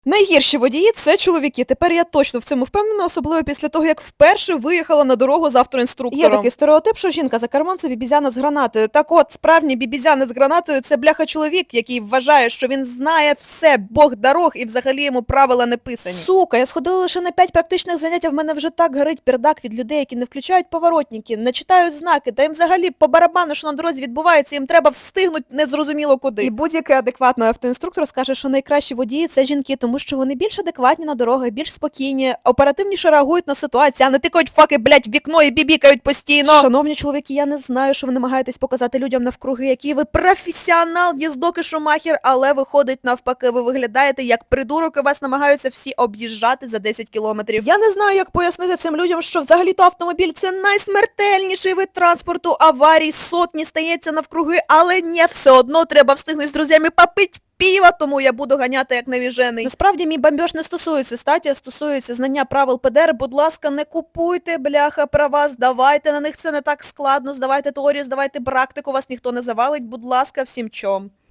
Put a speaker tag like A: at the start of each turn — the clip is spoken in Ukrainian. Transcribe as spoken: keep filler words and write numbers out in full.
A: Найгірші водії– це чоловіки. Тепер я точно в цьому впевнена, особливо після того, як вперше виїхала на дорогу з автоінструктором. Є такий стереотип, що жінка за кермом– це бібізяна з гранатою. Так от, справжній бібізяна з гранатою– це бляха-чоловік, який вважає, що він знає все, бог дорог, і взагалі йому правила не писані. Сука, я сходила лише на п'ять практичних занять, а в мене вже так горить пердак від людей, які не включають поворотники, не читають знаки, та їм взагалі по барабану, що на дорозі відбувається, їм треба встигнути незрозуміло куди. І будь-який адекватний автоінструктор скаже, що найкращі водії– це жінки, тому що вони більш адекватні на дорогах, більш спокійні, оперативніше реагують на ситуацію, а не тикають факи, блять, в вікно і бібікають постійно. Шановні чоловіки, я не знаю, що ви намагаєтесь показати людям навкруги, який ви професіонал, їздок і шумахер, але виходить навпаки, ви виглядаєте як придурок, і вас намагаються всі об'їжджати за десять кілометрів. Я не знаю, як пояснити цим людям, що взагалі-то автомобіль – це найсмертельніший вид транспорту, аварій сотні стається навкруги, але не, все одно треба встигнути з друзями попить піва, тому я буду ганяти як навіжений. Насправді мій бомбьош не стосується статі, а стосується знання правил ПДР. Будь ласка, не купуйте, бляха, права, здавайте на них, це не так складно, здавайте теорію, здавайте практику, вас ніхто не завалить, будь ласка, всім чом.